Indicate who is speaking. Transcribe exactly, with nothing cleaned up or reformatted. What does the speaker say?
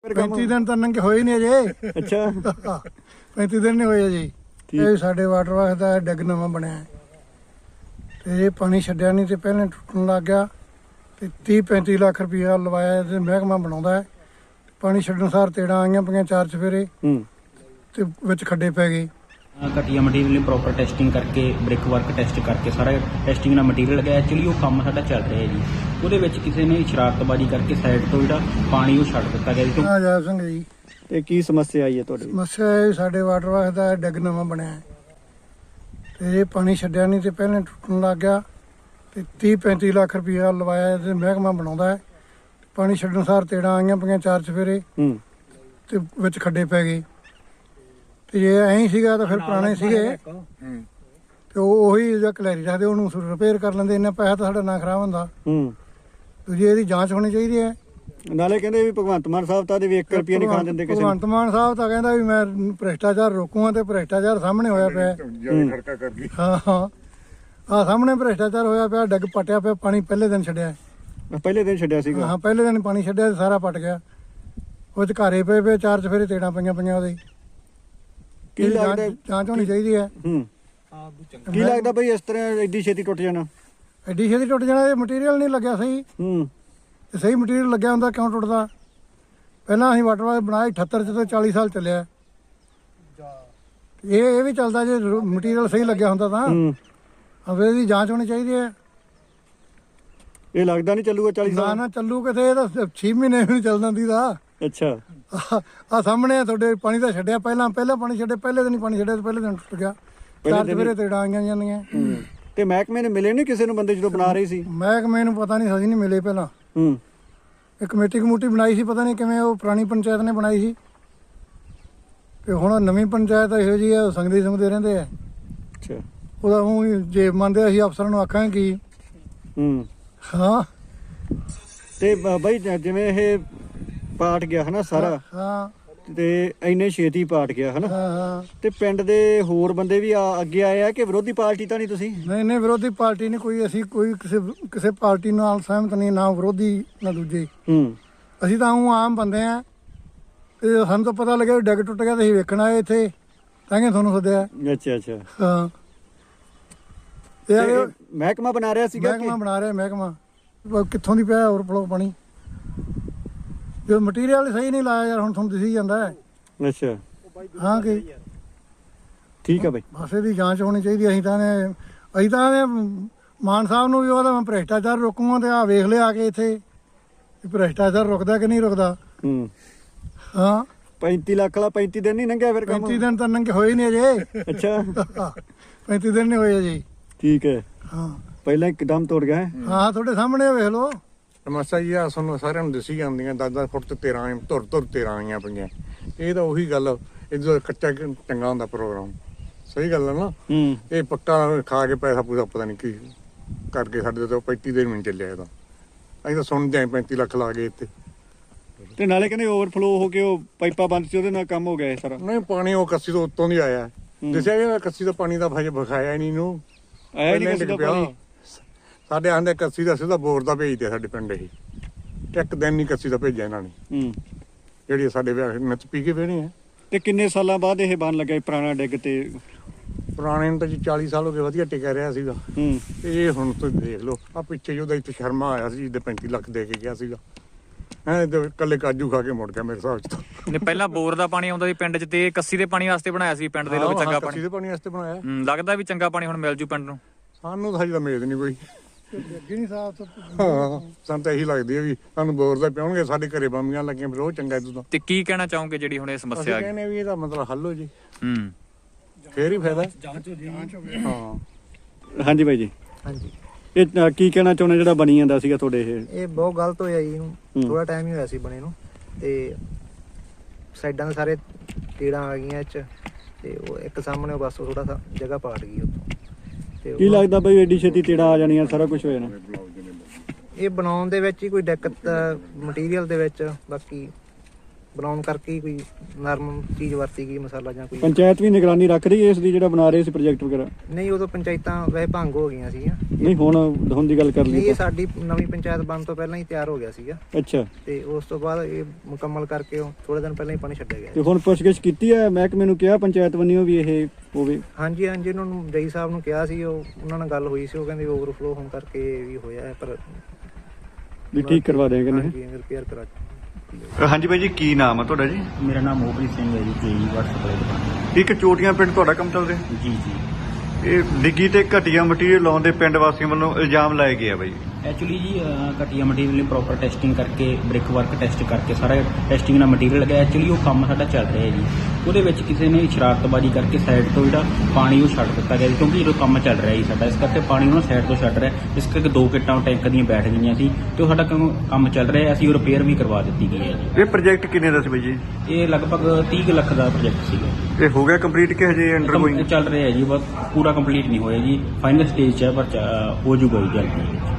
Speaker 1: पैंती दिन तो नंगे होए नहीं अजे।
Speaker 2: अच्छा
Speaker 1: पैंती दिन नहीं होए अजे। ये साडे वाटर वर्क दा डिग नवां बनया है ते ये पानी छड्डिया नहीं ते पहले टुटन लग गया ते तीह पैंती लाख रुपया लवाया ते महकमा बनाउंदा है। पानी छड्डण सार तेड़ां आईयां पईयां चार चफेरे ते विच खड्डे पै गए।
Speaker 3: घटिया मटीरियल ने प्रॉपर टेस्टिंग करके ब्रिक वर्क टेस्ट करके सारा टेस्टिंग ਦਾ ਮਟੀਰੀਅਲ ਲਗਾਇਆ। ਐਕਚੁਅਲੀ ਉਹ ਕੰਮ ਸਾਡਾ ਚੱਲ ਰਿਹਾ ਜੀ, ਉਹਦੇ ਵਿੱਚ ਕਿਸੇ ਨੇ ਸ਼ਰਾਰਤਬਾਜ਼ੀ ਕਰਕੇ ਸਾਈਡ ਤੋਂ ਜਿਹੜਾ ਪਾਣੀ ਉਹ ਛੱਡ ਦਿੱਤਾ ਗਿਆ ਜੀ।
Speaker 1: ਹਾਂ ਜੈ ਸਿੰਘ ਜੀ,
Speaker 2: ਤੇ ਕੀ ਸਮੱਸਿਆ ਆਈ ਹੈ ਤੁਹਾਡੀ?
Speaker 1: ਸਮੱਸਿਆ ਇਹ ਸਾਡੇ ਵਾਟਰ ਵਰਕ ਦਾ ਡਿੱਗ ਨਵਾਂ ਬਣਿਆ ਹੈ ਤੇ ਇਹ ਪਾਣੀ ਛੱਡਿਆ ਨਹੀਂ ਤੇ ਪਹਿਲੇ ਟੁੱਟਣ ਲੱਗ ਗਿਆ ਤੇ ਤੀਹ ਪੈਂਤੀ ਲੱਖ ਰੁਪਇਆ ਲਵਾਇਆ ਤੇ ਮਹਿਕਮਾ ਬਣਾਉਂਦਾ ਹੈ। ਪਾਣੀ ਛੱਡਣ ਸਾਰ ਤੇੜਾਂ ਆਈਆਂ ਪਈਆਂ ਚਾਰ ਚਫੇਰੇ ਤੇ ਵਿੱਚ ਖੱਡੇ ਪੈ ਗਏ ਤੇ ਜੇ ਐਂ ਸੀਗਾ ਤਾਂ ਫਿਰ ਪੁਰਾਣੇ ਸੀਗੇ ਤੇ ਉਹ ਉਹੀ ਜਿਹੜਾ ਕਲੈਰੀ ਰੱਖਦੇ ਉਹਨੂੰ ਰਿਪੇਅਰ ਕਰ ਲੈਂਦੇ। ਇੰਨਾ ਪੈਸਾ ਤਾਂ ਸਾਡਾ ਨਾ ਖਰਾਬ ਹੁੰਦਾ। ਦੂਜੀ ਇਹਦੀ ਜਾਂਚ ਹੋਣੀ ਚਾਹੀਦੀ ਹੈ।
Speaker 2: ਨਾਲੇ ਕਹਿੰਦੇ ਵੀ ਭਗਵੰਤ ਮਾਨ ਸਾਹਿਬ ਤਾਂ ਵੀ ਇੱਕ ਰੁਪਿਆ ਨਹੀਂ ਖਾਣ ਦਿੰਦੇ ਕਿਸੇ ਨੂੰ।
Speaker 1: ਭਗਵੰਤ ਮਾਨ ਸਾਹਿਬ ਤਾਂ ਕਹਿੰਦਾ ਵੀ ਮੈਂ ਭ੍ਰਿਸ਼ਟਾਚਾਰ ਰੋਕੂਗਾ ਤੇ ਭ੍ਰਿਸ਼ਟਾਚਾਰ ਸਾਹਮਣੇ ਹੋਇਆ ਪਿਆ। ਹਾਂ ਹਾਂ ਆਹ ਸਾਹਮਣੇ ਭ੍ਰਿਸ਼ਟਾਚਾਰ ਹੋਇਆ ਪਿਆ। ਡਿੱਗ ਪਟਿਆ ਪਿਆ, ਪਾਣੀ ਪਹਿਲੇ ਦਿਨ ਛੱਡਿਆ।
Speaker 2: ਪਹਿਲੇ ਦਿਨ ਛੱਡਿਆ ਸੀਗਾ?
Speaker 1: ਹਾਂ ਪਹਿਲੇ ਦਿਨ ਪਾਣੀ ਛੱਡਿਆ ਤੇ ਸਾਰਾ ਪਟ ਗਿਆ। ਉਹ ਚ ਘਾਰੇ ਪਏ ਪਏ ਚਾਰ ਚਫੇਰੇ ਤੇੜਾਂ ਪਈਆਂ ਪਈਆਂ ਉਹਦੇ।
Speaker 2: ਕੀ ਲੱਗਦਾ
Speaker 1: ਜਾਂਚ ਹੋਣੀ ਚਾਹੀਦੀ ਹੈ।
Speaker 2: ਹੂੰ ਕੀ ਲੱਗਦਾ ਬਈ ਇਸ ਤਰ੍ਹਾਂ ਐਡੀ ਛੇਤੀ ਟੁੱਟ ਜਾਣਾ?
Speaker 1: ਐਡੀ ਛੇਤੀ ਟੁੱਟ ਜਾਣਾ, ਇਹ ਮਟੀਰੀਅਲ ਨਹੀਂ ਲੱਗਿਆ ਸਹੀ।
Speaker 2: ਹੂੰ
Speaker 1: ਤੇ ਸਹੀ ਮਟੀਰੀਅਲ ਲੱਗਿਆ ਹੁੰਦਾ ਕਿਉਂ ਟੁੱਟਦਾ? ਪਹਿਲਾਂ ਅਸੀਂ ਵਾਟਰ ਵਾਲ ਬਣਾਇਆ ਅਠੱਤਰ ਚ ਤੇ ਚਾਲੀ ਸਾਲ ਚੱਲਿਆ। ਇਹ ਇਹ ਵੀ ਚੱਲਦਾ ਜੇ ਮਟੀਰੀਅਲ ਸਹੀ ਲੱਗਿਆ ਹੁੰਦਾ ਤਾਂ। હવે ਇਹਦੀ ਜਾਂਚ ਹੋਣੀ ਚਾਹੀਦੀ ਹੈ।
Speaker 2: ਇਹ ਲੱਗਦਾ ਨਹੀਂ ਚੱਲੂਗਾ ਚਾਲੀ ਸਾਲ?
Speaker 1: ਨਾ ਨਾ ਚੱਲੂ ਕਿਥੇ, ਇਹ ਤਾਂ ਛੇ ਮਹੀਨੇ ਵੀ ਨਹੀਂ ਚੱਲਦਾ ਦੀ ਦਾ।
Speaker 2: ਅੱਛਾ
Speaker 1: ਆ ਸਾਹਮਣੇ ਤੁਹਾਡੇ ਪਾਣੀ ਤਾਂ ਛੱਡਿਆ ਪਹਿਲਾਂ ਪਹਿਲਾਂ ਪਾਣੀ ਛੱਡੇ ਪਹਿਲੇ ਦਿਨ ਹੀ ਪਾਣੀ ਛੱਡਿਆ ਤੇ ਪਹਿਲੇ ਦਿਨ ਟੁੱਟ ਗਿਆ। ਚਾਰ ਚਫੇਰੇ ਤੇੜਾਂ ਆਈਆਂ ਜਾਂਦੀਆਂ।
Speaker 2: ਤੇ ਮਹਿਕਮੇ ਨੇ ਮਿਲੇ ਨਹੀਂ ਕਿਸੇ ਨੂੰ ਬੰਦੇ ਜਦੋਂ ਬਣਾ ਰਹੇ ਸੀ?
Speaker 1: ਮਹਿਕਮੇ ਨੂੰ ਪਤਾ ਨਹੀਂ, ਅਸੀਂ ਨਹੀਂ ਮਿਲੇ ਪਹਿਲਾਂ।
Speaker 2: ਹੂੰ
Speaker 1: ਇਹ ਕਮੇਟੀ ਕਮੂਟੀ ਬਣਾਈ ਸੀ, ਪਤਾ ਨਹੀਂ ਕਿਵੇਂ ਉਹ ਪੁਰਾਣੀ ਪੰਚਾਇਤ ਨੇ ਬਣਾਈ ਸੀ ਤੇ ਹੁਣ ਨਵੀਂ ਪੰਚਾਇਤ ਇਹੋ ਜਿਹੀ ਆ, ਸੰਗਦੇ ਸੰਗਦੇ ਰਹਿੰਦੇ ਆ।
Speaker 2: ਅੱਛਾ
Speaker 1: ਉਹਦਾ ਉਹ ਜੇ ਮੰਨਦੇ ਅਸੀਂ ਅਫਸਰਾਂ ਨੂੰ ਆਖਾਂਗੇ ਕੀ।
Speaker 2: ਹੂੰ
Speaker 1: ਹਾਂ
Speaker 2: ਤੇ ਬਾਈ ਜਿਵੇਂ ਇਹ ਪਾਟ ਗਿਆ ਹਨਾ ਸਾਰਾ,
Speaker 1: ਹਾਂ
Speaker 2: ਤੇ ਇੰਨੇ ਛੇਤੀ ਪਾਟ ਗਿਆ ਹਨਾ,
Speaker 1: ਹਾਂ ਹਾਂ
Speaker 2: ਤੇ ਪਿੰਡ ਦੇ ਹੋਰ ਬੰਦੇ ਵੀ ਆ ਅੱਗੇ ਆਏ ਆ ਕਿ ਵਿਰੋਧੀ ਪਾਰਟੀ ਤਾਂ ਨਹੀਂ ਤੁਸੀਂ?
Speaker 1: ਨਹੀਂ ਨਹੀਂ ਵਿਰੋਧੀ ਪਾਰਟੀ ਨਹੀਂ ਕੋਈ। ਅਸੀਂ ਕੋਈ ਕਿਸੇ ਕਿਸੇ ਪਾਰਟੀ ਨਾਲ ਸਹਿਮਤ ਨਹੀਂ, ਨਾ ਵਿਰੋਧੀ ਨਾ ਦੂਜੇ।
Speaker 2: ਹੂੰ
Speaker 1: ਅਸੀਂ ਤਾਂ ਉਹ ਆਮ ਬੰਦੇ ਆ ਤੇ ਸਾਨੂੰ ਤਾਂ ਪਤਾ ਲੱਗਿਆ ਡਿੱਗ ਟੁੱਟ ਗਿਆ ਤੇ ਅਸੀਂ ਵੇਖਣ ਆਏ ਇੱਥੇ ਤਾਂ ਕਿ ਤੁਹਾਨੂੰ ਸੱਦਿਆ।
Speaker 2: ਅੱਛਾ ਅੱਛਾ
Speaker 1: ਹਾਂ
Speaker 2: ਤੇ ਮਹਿਕਮਾ ਬਣਾ ਰਿਹਾ ਸੀਗਾ?
Speaker 1: ਮਹਿਕਮਾ ਬਣਾ ਰਿਹਾ ਮਹਿਕਮਾ। ਕਿੱਥੋਂ ਦੀ ਪਿਆ ਹੋਰ ਫਲੋ ਪਾਣੀ? ਜੋ ਮਟੀਰੀਅਲ ਸਹੀ ਨਹੀਂ ਲਾਇਆ ਯਾਰ, ਹੁਣ ਤੁਹਾਨੂੰ ਦਿਸੀ ਜਾਂਦਾ ਹੈ।
Speaker 2: ਅੱਛਾ
Speaker 1: ਹਾਂ ਕਿ
Speaker 2: ਠੀਕ ਆ ਬਾਈ,
Speaker 1: ਬਸ ਇਹਦੀ ਜਾਂਚ ਹੋਣੀ ਚਾਹੀਦੀ। ਅਸੀਂ ਤਾਂ ਨੇ ਅਸੀਂ ਤਾਂ ਮਾਨ ਸਾਹਿਬ ਨੂੰ ਵੀ ਉਹਦਾ ਮੈਂ ਭ੍ਰਿਸ਼ਟਾਚਾਰ ਰੋਕੂਗਾ ਤੇ ਆ ਵੇਖ ਲਿਆ ਆ ਕੇ ਇੱਥੇ ਭ੍ਰਿਸ਼ਟਾਚਾਰ ਰੁਕਦਾ ਕਿ ਨਹੀਂ ਰੁਕਦਾ।
Speaker 2: ਹੂੰ
Speaker 1: ਹਾਂ
Speaker 2: ਪੈਂਤੀ ਲੱਖ ਵਾਲਾ ਪੈਂਤੀ ਦਿਨ ਨਹੀਂ ਲੰਘਿਆ ਫਿਰ ਕੰਮ?
Speaker 1: ਪੈਂਤੀ ਦਿਨ ਤਾਂ ਨੰਗੇ ਹੋਏ ਨਹੀਂ ਅਜੇ।
Speaker 2: ਅੱਛਾ
Speaker 1: ਪੈਂਤੀ ਦਿਨ ਨਹੀਂ ਹੋਏ ਅਜੇ।
Speaker 2: ਠੀਕ ਹੈ।
Speaker 1: ਹਾਂ
Speaker 2: ਪਹਿਲਾਂ ਇੱਕਦਮ ਤੋੜ ਗਿਆ ਹੈ।
Speaker 1: ਹਾਂ ਤੁਹਾਡੇ ਸਾਹਮਣੇ ਵੇਖ ਲਓ।
Speaker 4: ਸਮੱਸਿਆ ਜੀ ਆ ਸਾਨੂੰ ਸਾਰਿਆਂ ਨੂੰ ਦਿਸੀ ਜਾਂਦੀਆਂ। ਦਸ ਦਸ ਫੁੱਟ ਤੇ ਤੇਰਾਂ ਧੁਰ ਧੁਰ ਤੇਰਾਂ ਆਈਆਂ ਪਈਆਂ। ਇਹ ਤਾਂ ਉਹੀ ਗੱਲ, ਇਹ ਕੱਚਾ ਚੰਗਾ ਹੁੰਦਾ ਪ੍ਰੋਗਰਾਮ। ਸਹੀ ਗੱਲ ਹੈ ਨਾ।
Speaker 2: ਹੂੰ
Speaker 4: ਇਹ ਪੱਕਾ ਖਾ ਕੇ ਪੈਸਾ ਪੂਸਾ ਪਤਾ ਨਹੀਂ ਕੀ ਕਰਕੇ ਸਾਡੇ ਤੋਂ ਪੈਂਤੀ ਦਿਨ ਵੀ ਚੱਲਿਆ। ਇਹਦਾ ਅਸੀਂ ਤਾਂ ਸੁਣਦੇ ਆਂ ਪੈਂਤੀ ਲੱਖ ਲਾ ਗਏ ਇੱਥੇ।
Speaker 2: ਤੇ ਨਾਲੇ ਕਹਿੰਦੇ ਓਵਰਫਲੋ ਹੋ ਕੇ ਉਹ ਪਾਈਪਾਂ ਬੰਦ ਸੀ, ਉਹਦੇ ਨਾਲ ਕੰਮ ਹੋ ਗਿਆ ਸਾਰਾ।
Speaker 4: ਨਹੀਂ ਪਾਣੀ ਉਹ ਕੱਸੀ ਤੋਂ ਉੱਤੋਂ ਦੀ ਆਇਆ। ਦੱਸਿਆ ਗਿਆ ਕੱਸੀ ਦਾ ਪਾਣੀ ਦਾ ਭਾਜੇ ਵਿਖਾਇਆ ਨਹੀਂ ਇਹਨੂੰ।
Speaker 2: ਆਇਆ ਨਹੀਂ ਕਿਸੇ ਦਾ ਪਾਣੀ।
Speaker 4: ਸਾਡੇ ਆਂਦੇ ਕੱਸੀ ਦਾ ਸਿੱਧਾ ਬੋਰ ਦਾ ਭੇਜਦੇ ਸਾਡੇ ਪਿੰਡ। ਇਹ ਇੱਕ ਦਿਨ ਨਹੀਂ ਕੱਸੀ ਦਾ ਭੇਜਿਆ ਇਹਨਾਂ ਨੇ।
Speaker 2: ਹੂੰ
Speaker 4: ਜਿਹੜੀ ਸਾਡੇ ਵਿਆਹ ਨੱਚ ਪੀ ਕੇ ਵੇਣੇ ਆ।
Speaker 2: ਤੇ ਕਿੰਨੇ ਸਾਲਾਂ ਬਾਅਦ ਇਹ ਬਣ ਲੱਗਾ ਪੁਰਾਣਾ ਡਿੱਗ? ਤੇ
Speaker 4: ਪੁਰਾਣੇ ਨੂੰ ਤਾਂ ਜੀ ਚਾਲੀ ਸਾਲ ਹੋ ਗਏ, ਵਧੀਆ ਟਿਕਿਆ ਰਿਹਾ ਸੀਗਾ।
Speaker 2: ਹੂੰ
Speaker 4: ਇਹ ਹੁਣ ਤੁਸੀਂ ਦੇਖ ਲਓ ਆ ਪਿੱਛੇ ਜਿਹਦਾ ਇੱਥੇ ਸ਼ਰਮਾ ਆਇਆ ਸੀ ਜਿਹਦੇ ਪੈਂਤੀ ਲੱਖ ਦੇ ਕੇ ਗਿਆ ਸੀਗਾ। ਐਂ ਤੇ ਇਕੱਲੇ ਕਾਜੂ ਖਾ ਕੇ ਮੁੜ ਗਿਆ ਮੇਰੇ ਹਿਸਾਬ ਚ ਤਾਂ।
Speaker 5: ਨੇ ਪਹਿਲਾਂ ਬੋਰ ਦਾ ਪਾਣੀ ਆਉਂਦਾ ਸੀ ਪਿੰਡ 'ਚ ਤੇ ਕੱਸੀ ਦੇ ਪਾਣੀ ਵਾਸਤੇ ਬਣਾਇਆ ਸੀ ਪਿੰਡ ਦੇ ਲੋਕ ਚੰਗਾ ਪਾਣੀ।
Speaker 4: ਕੱਸੀ ਦੇ ਪਾਣੀ ਵਾਸਤੇ ਬਣਾਇਆ।
Speaker 5: ਹੂੰ ਲੱਗਦਾ ਵੀ ਚੰਗਾ ਪਾਣੀ ਹੁਣ ਮਿਲ ਜੂ ਪਿੰਡ ਨੂੰ।
Speaker 4: ਸਾਨੂੰ ਤਾਂ ਹਜੇ ਤਾਂ ਉਮੀਦ ਨਹੀਂ ਕੋਈ।
Speaker 1: ਅੱਗੇ ਨਹੀਂ ਸਾਫ।
Speaker 4: ਹਾਂ ਸਾਨੂੰ ਤਾਂ ਇਹੀ ਲੱਗਦੀ ਹੈ ਵੀ ਸਾਨੂੰ ਬੋਰ ਦਾ ਪਿਆਉਣਗੇ। ਸਾਡੇ ਘਰੇ ਬੰਬੀਆਂ ਲੱਗੀਆਂ ਫਿਰ ਉਹ ਚੰਗਾ ਇਦੋਂ ਤਾਂ।
Speaker 5: ਤੇ ਕੀ ਕਹਿਣਾ ਚਾਹੋਗੇ ਜਿਹੜੀ ਹੁਣ ਇਹ ਸਮੱਸਿਆ ਆ ਗਈ?
Speaker 4: ਕਹਿੰਦੇ ਵੀ ਇਹਦਾ ਮਤਲਬ ਹੱਲ ਹੋ ਜੀ,
Speaker 5: ਹੂੰ
Speaker 4: ਫੇਰ ਹੀ ਫਾਇਦਾ।
Speaker 1: ਹਾਂ
Speaker 2: ਹਾਂਜੀ ਬਾਈ ਜੀ।
Speaker 6: ਹਾਂਜੀ
Speaker 2: ਇਹ ਕੀ ਕਹਿਣਾ ਚਾਹੁੰਦੇ ਜਿਹੜਾ ਬਣੀ ਜਾਂਦਾ ਸੀਗਾ ਤੁਹਾਡੇ? ਇਹ
Speaker 6: ਇਹ ਬਹੁਤ ਗਲਤ ਹੋਇਆ ਜੀ। ਇਹਨੂੰ ਥੋੜਾ ਟਾਈਮ ਹੀ ਹੋਇਆ ਸੀ ਬਣੇ ਨੂੰ ਤੇ ਸਾਈਡਾਂ ਦੇ ਸਾਰੇ ਟੇੜਾਂ ਆ ਗਈਆਂ ਇਹ 'ਚ ਤੇ ਉਹ ਇੱਕ ਸਾਹਮਣੇ ਬਸ ਥੋੜਾ ਸਾ ਜਗ੍ਹਾ ਪਾਟ ਗਈ ਉੱਥੋਂ। ਤੇ
Speaker 2: ਕੀ ਲੱਗਦਾ ਬਈ ਐਡੀ ਛੇਤੀ ਤੇੜਾ ਆ ਜਾਣੀਆਂ, ਸਾਰਾ ਕੁਝ ਹੋ ਜਾਣਾ?
Speaker 6: ਇਹ ਬਣਾਉਣ ਦੇ ਵਿੱਚ ਹੀ ਕੋਈ ਦਿੱਕਤ ਮਟੀਰੀਅਲ ਦੇ ਵਿੱਚ। ਬਾਕੀ ਬਣਾਉਣ ਕਰਕੇ ਹੀ ਕੋਈ ਨਰਮ ਚੀਜ਼ ਵਰਤੀ ਗਈ, ਮਸਾਲਾ ਜਾਂ ਕੋਈ।
Speaker 2: ਪੰਚਾਇਤ ਵੀ ਨਿਗਰਾਨੀ ਰੱਖ ਰਹੀ ਹੈ ਇਸ ਦੀ, ਜਿਹੜਾ ਬਣਾ ਰਹੇ ਸੀ ਪ੍ਰੋਜੈਕਟ ਵਗੈਰਾ?
Speaker 6: ਨਹੀਂ, ਉਦੋਂ ਪੰਚਾਇਤਾਂ ਵੈਸੇ ਭੰਗ ਹੋ ਗਈਆਂ ਸੀਗੀਆਂ।
Speaker 2: ਨਹੀਂ, ਹੁਣ ਹੁਣ ਦੀ ਗੱਲ ਕਰ
Speaker 6: ਨਹੀਂ,
Speaker 2: ਲਈ
Speaker 6: ਇਹ ਸਾਡੀ ਨਵੀਂ ਪੰਚਾਇਤ ਬਣਨ ਤੋਂ ਪਹਿਲਾਂ ਹੀ ਤਿਆਰ ਹੋ ਗਿਆ ਸੀਗਾ,
Speaker 2: ਅੱਛਾ।
Speaker 6: ਤੇ ਉਸ ਤੋਂ ਬਾਅਦ ਇਹ ਮੁਕੰਮਲ ਕਰਕੇ ਥੋੜੇ ਦਿਨ ਪਹਿਲਾਂ ਹੀ ਪਾਣੀ ਛੱਡਿਆ ਗਿਆ।
Speaker 2: ਤੇ ਹੁਣ ਪੁੱਛਗਿੱਛ ਕੀਤੀ ਹੈ ਮਹਿਕਮੇ ਨੂੰ, ਕਿਹਾ ਪੰਚਾਇਤ ਵੱਲੋਂ ਵੀ ਇਹ ਹੋਵੇ?
Speaker 6: ਹਾਂਜੀ ਹਾਂਜੀ, ਉਹਨਾਂ ਨੂੰ ਜਈ ਸਾਹਿਬ ਨੂੰ ਕਿਹਾ ਸੀ, ਉਹ ਉਹਨਾਂ ਨਾਲ ਗੱਲ ਹੋਈ ਸੀ, ਉਹ ਕਹਿੰਦੇ ਓਵਰਫਲੋ ਹੋਣ ਕਰਕੇ ਇਹ ਵੀ ਹੋਇਆ ਹੈ, ਪਰ
Speaker 2: ਵੀ ਠੀਕ ਕਰਵਾ ਦੇਣਗੇ ਨੇ।
Speaker 6: ਹਾਂਜੀ, ਰਿਪੇਅਰ ਕਰਾ।
Speaker 7: ਹਾਂਜੀ ਬਾਈ ਜੀ, ਕੀ ਨਾਮ ਹੈ ਤੁਹਾਡਾ ਜੀ?
Speaker 3: ਮੇਰਾ ਨਾਮ ਮੋਹਪ੍ਰੀਤ ਸਿੰਘ ਹੈ ਜੀ, ਜੀ WhatsApp ਸਪਲਾਈ ਦੁਕਾਨ।
Speaker 7: ਇੱਕ ਚੋਟੀਆਂ ਪਿੰਡ ਤੁਹਾਡਾ ਕੰਮ ਚੱਲ ਰਿਹਾ?
Speaker 3: ਜੀ ਜੀ
Speaker 7: ਇਹ ਡਿੱਗੀ ਤੇ ਘਟੀਆ ਮਟੀਰੀਅਲ ਲਾਉਣ ਦੇ ਪਿੰਡ ਵਾਸੀਆਂ ਵੱਲੋਂ ਇਲਜ਼ਾਮ ਲਾਏ ਗਏ ਆ ਬਾਈ।
Speaker 3: ਐਕਚੁਅਲੀ ਜੀ ਅਹ, ਘਟੀਆ ਮਟੀਰੀਅਲ ਲਈ ਪ੍ਰੋਪਰ ਟੈਸਟਿੰਗ ਕਰਕੇ, ਬ੍ਰਿਕ ਵਰਕ ਟੈਸਟ ਕਰਕੇ ਸਾਰਾ ਟੈਸਟਿੰਗ ਦਾ ਮਟੀਰੀਅਲ ਲੱਗਿਆ। ਐਕਚੁਅਲੀ ਉਹ ਕੰਮ ਸਾਡਾ ਚੱਲ ਰਿਹਾ ਹੈ ਜੀ, ਉਹਦੇ ਵਿੱਚ ਕਿਸੇ ਨੇ ਸ਼ਰਾਰਤਬਾਜ਼ੀ ਕਰਕੇ ਸਾਈਡ ਤੋਂ ਜਿਹੜਾ ਪਾਣੀ ਉਹ ਛੱਡ ਦਿੱਤਾ ਗਿਆ ਜੀ, ਕਿਉਂਕਿ ਜਦੋਂ ਕੰਮ ਚੱਲ ਰਿਹਾ ਜੀ ਸਾਡਾ, ਇਸ ਕਰਕੇ ਪਾਣੀ ਉਹਨਾਂ ਸਾਈਡ ਤੋਂ ਛੱਡ ਰਿਹਾ, ਇਸ ਕਰਕੇ ਦੋ ਕਿੱਟਾਂ ਟੈਂਕ ਦੀਆਂ ਬੈਠ ਗਈਆਂ ਸੀ, ਤੇ ਉਹ ਸਾਡਾ ਕੰਮ ਕੰਮ ਚੱਲ ਰਿਹਾ, ਅਸੀਂ ਉਹ ਰਿਪੇਅਰ ਵੀ ਕਰਵਾ ਦਿੱਤੀ ਗਈ ਹੈ ਜੀ।
Speaker 7: ਇਹ ਪ੍ਰੋਜੈਕਟ ਕਿੰਨੇ ਦਾ ਸੀ ਬਾਈ ਜੀ?
Speaker 3: ਇਹ ਲਗਭਗ ਤੀਹ ਕੁ ਲੱਖ ਦਾ ਪ੍ਰੋਜੈਕਟ ਸੀਗਾ।
Speaker 7: ਇਹ ਹੋ ਗਿਆ ਕੰਪਲੀਟ ਕਿ ਹਜੇ ਅੰਡਰ
Speaker 3: ਕੰਮ
Speaker 7: ਗੋਇੰਗ?
Speaker 3: ਚੱਲ ਰਿਹਾ ਹੈ ਜੀ, ਬਸ ਪੂਰਾ ਕੰਪਲੀਟ ਨਹੀਂ ਹੋਇਆ ਜੀ, ਫਾਈਨਲ ਸਟੇਜ 'ਚ ਹੈ, ਪਰ ਚ- ਹੋ ਜੂਗਾ ਜੀ ਜਲਦੀ।